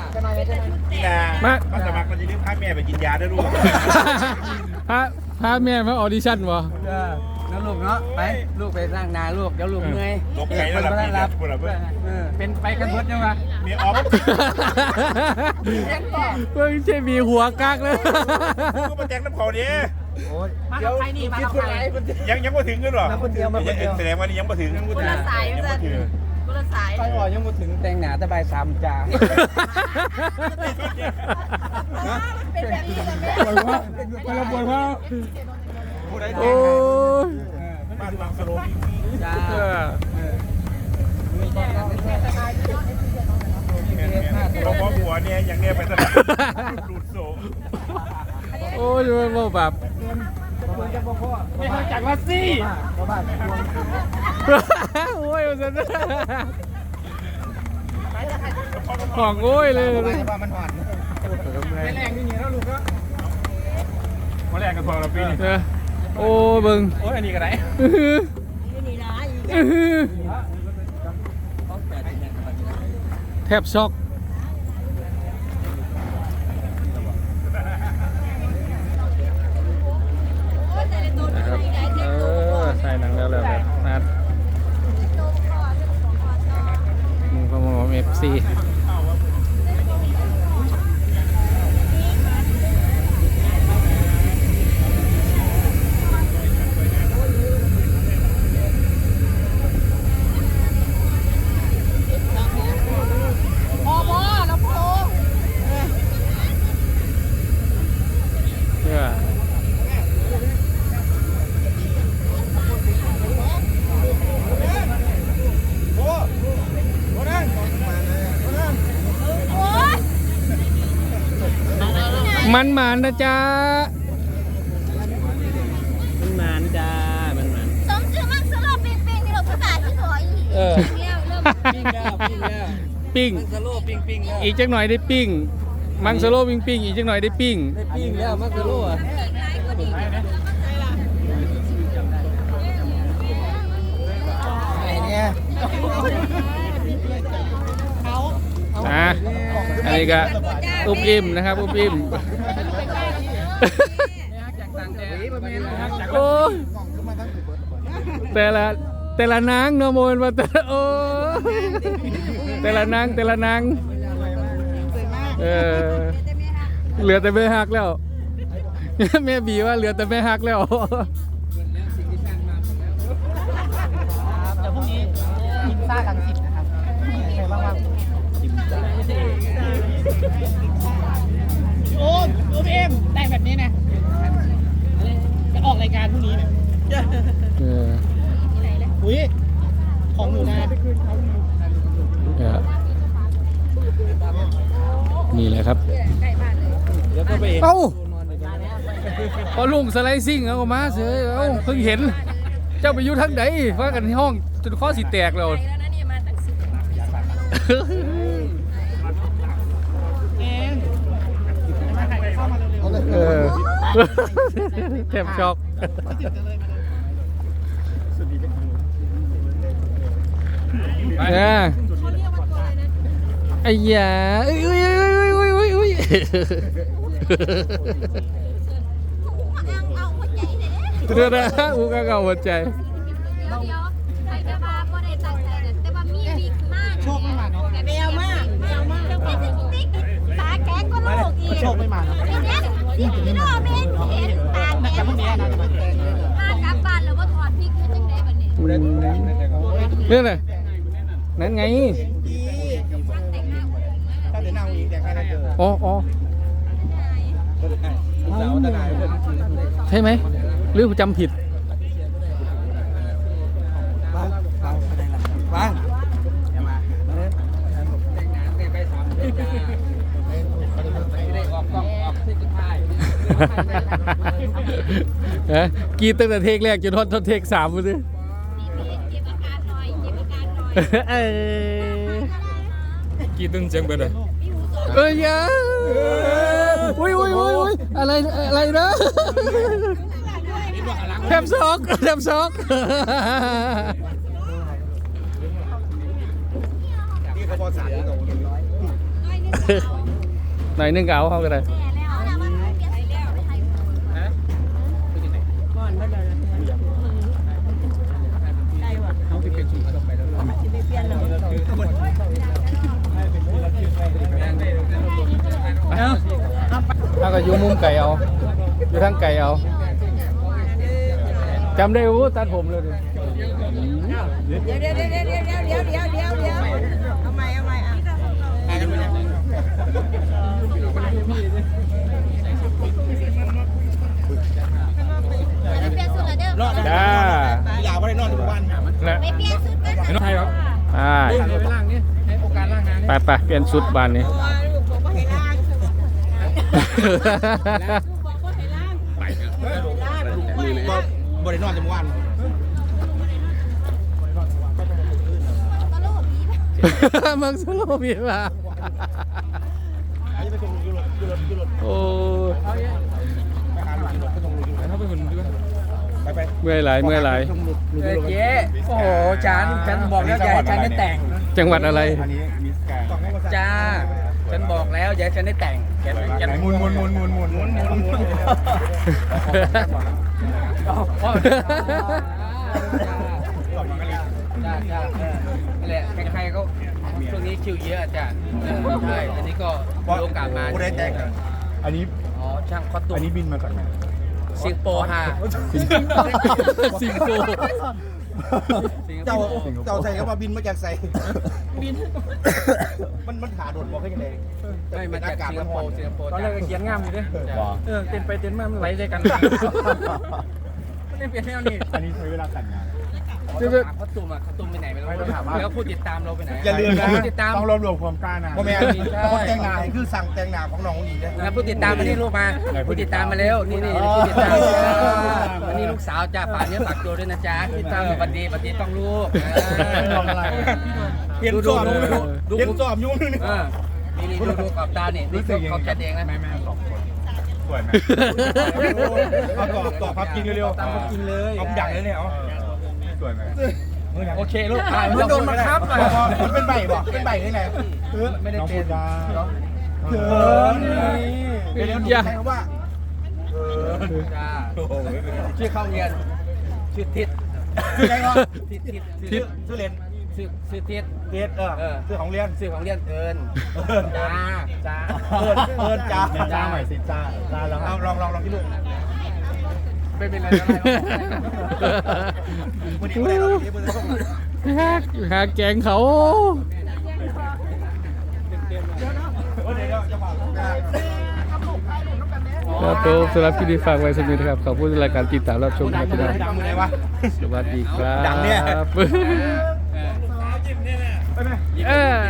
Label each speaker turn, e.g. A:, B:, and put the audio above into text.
A: มาสมัครมันจะเรียกพาแม่ไปกินยาด้วยลูก
B: พาแม่มาออดิชั่นวะ
C: แล้วลูกเนาะไปลูกไปนั่งนาลูกเดี๋ยวลูกเมื่อย
A: ตกใจแล้วล่ะพี่รับเพื่อน
C: เป็นไปกันเบิดยังไง
A: มีออฟ
B: เพิ่งใช่มีหัวกักเลย
A: ก็มาแจ้งน้ำเขาเนี่ย
C: มากับใครนี่มากับใคร
A: ยังมาถึงกันหรอแสดงว่านี่ยังมาถึง
D: คนละสายมันจะคนละสาย
C: ไปก่อนยังมาถึงแต่งหนาตะบาย3จ่า
D: เป็นแบบนี้เลยแม่
B: ไปละบวนว่าโอ้ย
A: บ้านบางสโล
C: จ้า
A: เราพอหัวเนี่ยยังเนี่ยไปสนามดูดโซ่
B: โอ้ยมันแบบ
C: ไม่เข้าใจว่าซี่
B: โอ้ยมันจะของโอ้ยเลย
C: ว่ามันอ่อนแรงนี่แล้วลูกก็
A: มาแรกกันพอเราปีนี้
B: โอ้เบิ่ง
C: โอ้ยอันนี้ก็ได้
D: นี่นะ
B: แทบช็อกใส่หนังแล้วแบบนัดมึงก็มองFC
D: พ่อแล้วพ่อ
B: เพื่อมันหมานนะจ๊ะมันหมานจ้ามันหมาน
D: สมชื่อมันสโลปิงปิงนี่เราภาษาที่สวย
B: เออ
D: เนี่ยเริ่ม
C: ปิ้งแล้วปิ้งแล้ว
B: ปิ้ง
C: สโลปิ้งปิ้งแล้ว
B: อีกจักหน่อยได้ปิ้ง มังสโลปิ้งปิ้งอีกจักหน่อยได้ปิ้ง
C: ได้ปิ้งแล้วมันสโลอ่ะ
B: อันนี้ก็อุบอิ่มนะครับอุบอิ่มโอ้แต่ละนางเนาะโมนมาโอ้แต่ละนางเหลือแต่แม่ฮักแล้วแม่บีว่าเหลือแต่แม่ฮักแล้ว
C: เดี๋ยวพรุ่งนี้กินซ่าลังสิตนะครับใครบ้างโอ้เอ็มแต่งแบบนี้นะจะออกรายการพรุ่งนี้เนี่ยอุ้ยของหนูนะ
B: นี่แหละครับเอ้าพอลุงสไลซิ่งเอามาเสือเอ้าเพิ่งเห็นเจ้าไปอยู่ทั้งไหนว่ากันที่ห้องจนข้อสีแตกแล้วแทบช็อกไอ้ยาอุ้ยเดี๋ยวนะอูกเอาหัวใจ
D: ใครจะมาก็ได้ตั้งใจแต่ว่ามีมากโชคไม่มาเนาะแมวมากติ๊กตาแข็งก็โลกอีกโชคไม่มาเนาะพี่น้องเมนเห็นตาแข็งมากลับบ้านแล้วว่าถอดพริกจังได๋บัดนี้
B: เรื่องอะไรนั่นไงอ๋อใช่ไหมหรือจำผิด
C: บ้าง
B: กีตั้งแต่เทคแรกจนทอดเทค3เลยสิ
D: เก็บอาการหน่อย
B: กีตึงเสียงไปเลยยาอุ้ยอะไรนะแทบช็อก
A: นี่เขาบอกสารนี่ตรง
B: หน่อยนึงก็เอาเขาก็ได้
D: แม่แล้วเอาละมันเปลี่ยนสีแล้วไปให้
C: ก่อนเมื่อไหร่ได้ว่ะเขาไปเป็นสูตรไปแล้วจะไปเปลี่ยนเรา
B: ถ้าก็อยู่มุมไก่เอาอยู่ทางไก่เอาจำได้ว่าตัดผมเลยดิ
C: เดี๋ยวเอาใหม่อ่ะ
D: ไปเปลี่ยนสุดแล้วเด้อ
B: จ้า
A: อยากไปนอนทุกวัน
B: นะ
D: ไปเปลี่ยนสุดกันนะ
B: ใช่ครับไปไปเปลี่ยนชุดบานนี้
A: บริโนอนทุกวัน
D: ตลกดี
B: มึงสโลมีป่ะโอ้เมื่อยหลายเมื่อยหลาย
C: เจ๊โอ้โหฉันบอกแล้วอย่าให้ฉันได้แต่ง
B: จังหวัดอะไร
A: อันนี้มิสแกน
C: จ้าฉันบอกแล้วอย่าให้ฉันได้แต่งแก
A: มุน
C: จ้านั่นแหละใครๆก็ช่วงนี้คิวเยอะอาจารย์ใช่อันนี้ก็มีโอกาสมา
A: ได้แตกอันนี้
C: อ๋อช่างคอสตูม
A: อันนี้บินมาจากไหน
C: สิงคโปร์ฮะ
B: สิงคโปร์
A: เจ้าใส่ก็มาบินมาจากใส่มันขาโดดบอกให้ยังไง
C: ไม่มาจากสิงคโปร์
E: ตอนแรกก็เขียนงามอยู่ดิเต้นไปเต้นมามันไหลใจกันไม่ได้เปลี่ยนแนวนี้
A: อันนี้ใช้เวลาแต่งงาน
C: คอสตูมไปไหนไม่รู้แล้วผู้ติดตามเราไปไหน
A: อย่าลืมนะ
C: ผู้ติดตาม
A: ต้องรวมความกล้านะพ่อแม่คนแต่งงานคือสั่งแต่งงานของน้องนี่นะ
C: แล้วผู้ติดตามมานี่ลูกมาผู้ติดตามมาเร็วนี่ผู้ติดตามวันนี้ลูกสาวจ้าฝากเนื้อฝากตัวด้วยนะจ๊ะติดตามบัดดีต้องลูก
A: เห็นสอบเห็นสอบยุ่งนึง
C: นี่ดูขอบตาเนี่ยนี่เขาแคดเองนะ
A: แม่สองคนสวยไหมตอบพับกินเร็วๆตามพับกินเลยเอาดังเลยเนี่ยเอาสวยไหม
C: โอเคลูก
A: มันโดนบังคับอ่ะมันเป็นใบบอกเป็นใบที่ไหน
C: ไม่ได้เป็น
A: เขินเดี๋ยวใช้คำว่า
C: จ้าชื่อเข้าเรียนชื่อทิศ
A: ชื่ออะไรวะ
C: ทิศ
A: ชื่อเรียน
C: ชื่อทิศ
A: เรียนชื่อของเรียน
C: ชื่อของเรียนเอิญจ้า
A: เอิญจ้าใหม่สิจ้าแล้วเอาลองที่ลูก
C: ไม่เป็นไร
A: วันนี้ไม่ได้เราวันนี้
B: หาแกงเขาครับผมสำหรับคลิปนี้ฝากไว้สักนิดนะครับขอบคุณรายการติดตามรับชมครับพี่น้อง
A: ดังเลยวะ
B: สวัสดีครับ
A: ดังเนี่ย
B: เออ